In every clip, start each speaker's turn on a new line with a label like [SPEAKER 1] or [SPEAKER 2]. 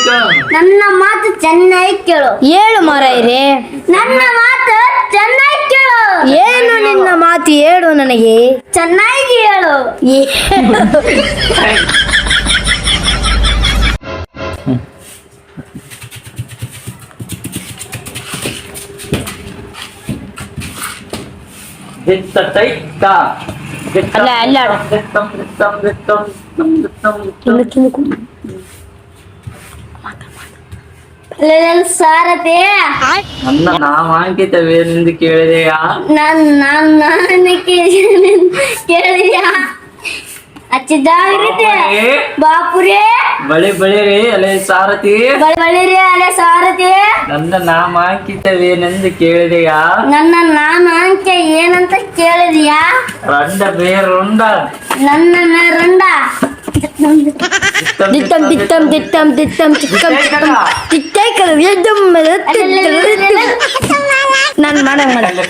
[SPEAKER 1] ಕೇಳು.
[SPEAKER 2] ನನ್ನ ಮಾತು ಚೆನ್ನಾಗಿ ಕೇಳು.
[SPEAKER 3] ಹೇಳು ಮಾರಾಯರೇ.
[SPEAKER 2] ನನ್ನ ಮಾತು ಚೆನ್ನಾಗಿ ಕೇಳು.
[SPEAKER 3] ಏನು ನಿನ್ನ ಮಾತು ಹೇಳು ನನಗೆ.
[SPEAKER 2] ಚೆನ್ನಾಗಿ ಹೇಳು.
[SPEAKER 1] ದಿತ್ತ ತೈತ್ತ.
[SPEAKER 3] ಅಲ್ಲ, ಅಲ್ಲ.
[SPEAKER 1] ದಿತ್ತಂ ದಿತ್ತಂ ದಿತ್ತಂ ದಿತ್ತಂ ದಿತ್ತಂ ದಿತ್ತಂ.
[SPEAKER 2] ಅಲ್ಲೆಲ್ಲ ಸಾರಥಿ,
[SPEAKER 1] ನನ್ನ ನಾಮಾಂಕಿತವೇನೆಂದು ಕೇಳಿದೆಯಾ?
[SPEAKER 2] ನಾನು ಕೇಳಿದ್ಯಾ? ಹಚ್ಚಿದ್ದಾಗಿರುತ್ತೆ ಬಾಪುರೇ.
[SPEAKER 1] ಬಳಿ ಬಳಿರಿ ಅಲೆ ಸಾರಥಿ.
[SPEAKER 2] ಬಳಿರಿ ಅಲೆ ಸಾರಥಿ.
[SPEAKER 1] ನನ್ನ ನಾಮಾಂಕಿತವೇನೆಂದು ಕೇಳಿದೆಯಾ?
[SPEAKER 2] ನನ್ನ ನಾಮಾಂಕ್ಯ ಏನಂತ ಕೇಳಿದ್ಯಾ?
[SPEAKER 1] ರಂಡ ಬೇರುಂಡ.
[SPEAKER 2] ನನ್ನ ರಂಡ.
[SPEAKER 3] ದಿತ್ತಂ ದಿತ್ತಂ ದಿತ್ತಂ ದಿತ್ತಂ ಚಿಕ್ಕಂ ಚಿಕ್ಕಂ ಚಿಕ್ಕೈಕಲ ನಾನು ಮಾಡಂಗ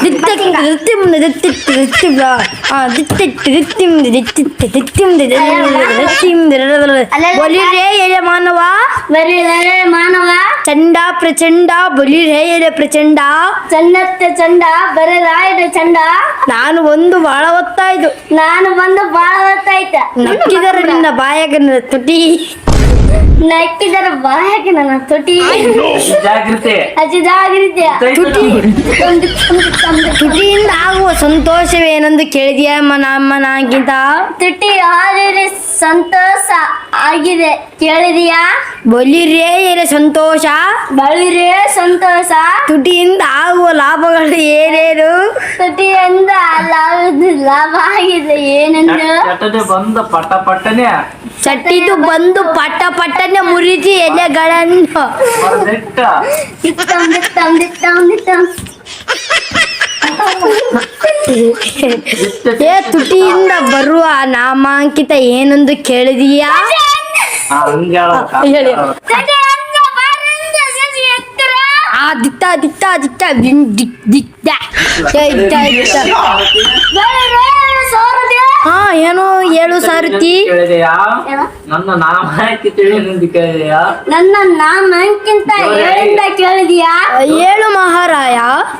[SPEAKER 3] ಬಲಿರೇ ಎಲೆ ಮಾನವ.
[SPEAKER 2] ಮಾನವ
[SPEAKER 3] ಚಂಡ ಪ್ರಚಂಡ ಬಲಿರೇ ಎಲೆ ಪ್ರಚಂಡ.
[SPEAKER 2] ಚಂಡತ್ತೆ ಚಂಡ ಬರರಾಯದ ಚಂಡ.
[SPEAKER 3] ನಾನು ಒಂದು ಬಾಳ ಹೊತ್ತಾಯ್ತು.
[SPEAKER 2] ನಾನು ಬಂದು ಬಾಳ ಹೊತ್ತಾಯ್ತ.
[SPEAKER 3] ನಕ್ಕಿದರೆ ನಿನ್ನ ಬಾಯಾಗ ತುಟಿ.
[SPEAKER 2] ನಕ್ಕಿದರ ಬಾಯಾಗ ನನ್ನ ತುಟಿ.
[SPEAKER 1] ಜಾಗೃತಿ.
[SPEAKER 2] ಅಜಿದಾಗಿರುತ್ತೆ.
[SPEAKER 3] ತುಟಿಯಿಂದ ಆಗುವ ಸಂತೋಷವೇನೆಂದು ಕೇಳಿದೆಯಾ ನಾಗಿಂತ?
[SPEAKER 2] ತುಟಿ ಆದರೆ ಸಂತೋಷ ಆಗಿದೆ ಕೇಳಿದೆಯಾ?
[SPEAKER 3] ಬಲಿರೇ ಎಲೆ ಸಂತೋಷ.
[SPEAKER 2] ಬಳಿರೇ ಸಂತೋಷ.
[SPEAKER 3] ತುಟಿಯಿಂದ ಆಗುವ ಲಾಭಗಳು ಏನೇನು?
[SPEAKER 2] ತುಟಿಯಿಂದ ಲಾಭ ಆಗಿದೆ ಏನೆಂದು?
[SPEAKER 1] ಚಟನೆ ಬಂದ ಪಟ ಪಟ್ಟನೆ.
[SPEAKER 3] ಚಟ್ಟಿದು ಬಂದು ಪಟ್ಟ ಪಟ್ಟನೆ ಮುರಿದಿ ಎಲೆಗಳನ್ನು.
[SPEAKER 1] ಹೊರದಿಟ್ಟ.
[SPEAKER 2] ದಿತ್ತಂ ದಿತ್ತಂ ದಿತ್ತಂ ದಿತ್ತಂ.
[SPEAKER 3] ಏ ತುಟಿಯಿಂದ ಬರುವ ನಾಮಾಂಕಿತ ಏನೆಂದು ಕೇಳಿದೀಯಾ? ಹೇಳಿ. ಆ ದಿತ್ತ ದಿತ್ತ ದಿತ್ತ ದಿತ್ತ. ಹಾ ಏನು ಹೇಳು ಸಾರಥಿ.
[SPEAKER 1] ಕೇಳಿದೆಯಾ? ನನ್ನ ನಾಮಾಂಕಿತವೇನೆಂದು ಕೇಳಿದೆಯಾ?
[SPEAKER 2] ನನ್ನ ನಾಮಕ್ಕಿಂತ ಹೇಳಿಂದ ಕೇಳಿದ್ಯಾ?
[SPEAKER 3] ಹೇಳು ಮಹಾರಾಯ.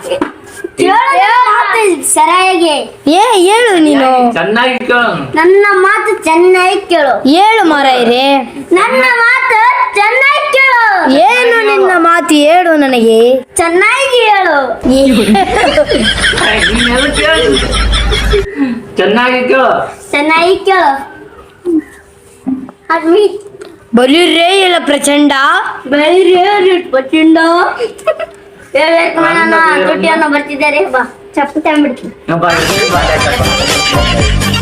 [SPEAKER 2] ಮಾತು ಸರಿಯಾಗಿ
[SPEAKER 3] ಹೇಳು ನೀನು.
[SPEAKER 1] ಚೆನ್ನಾಗಿ ಕೇಳು.
[SPEAKER 2] ನನ್ನ ಮಾತು ಚೆನ್ನಾಗಿ ಕೇಳು.
[SPEAKER 3] ಹೇಳು ಮಾರಾಯರೇ.
[SPEAKER 2] ನನ್ನ ಮಾತು ಚೆನ್ನಾಗಿ ಕೇಳು.
[SPEAKER 3] ಏನು ನಿನ್ನ ಮಾತು ಹೇಳು ನನಗೆ.
[SPEAKER 2] ಚೆನ್ನಾಗಿ ಹೇಳು.
[SPEAKER 1] ನೀನೆಲ್ಲ ಕೇಳು. ಚೆನ್ನಾಗಿ ಕೇಳು.
[SPEAKER 2] ಚೆನ್ನಾಗಿ ಕೇಳು. ಅದ್ಮಿ
[SPEAKER 3] ಬಲಿರೇ ಇಲ್ಲ ಪ್ರಚಂಡ.
[SPEAKER 2] ಬಳಿರೇ ಪಚ್ಚಿಂಡ. ಹೇಳ್ಬೇಕು ನಾನು ತುಟಿಯನ್ನು ಬರ್ತಿದ್ದಾರೆ. ಬಾ ಚಪ್ಪು ತಂಬಿಡ್ತೀನಿ.
[SPEAKER 1] ಬಾ, ಬಾ, ಬಾ.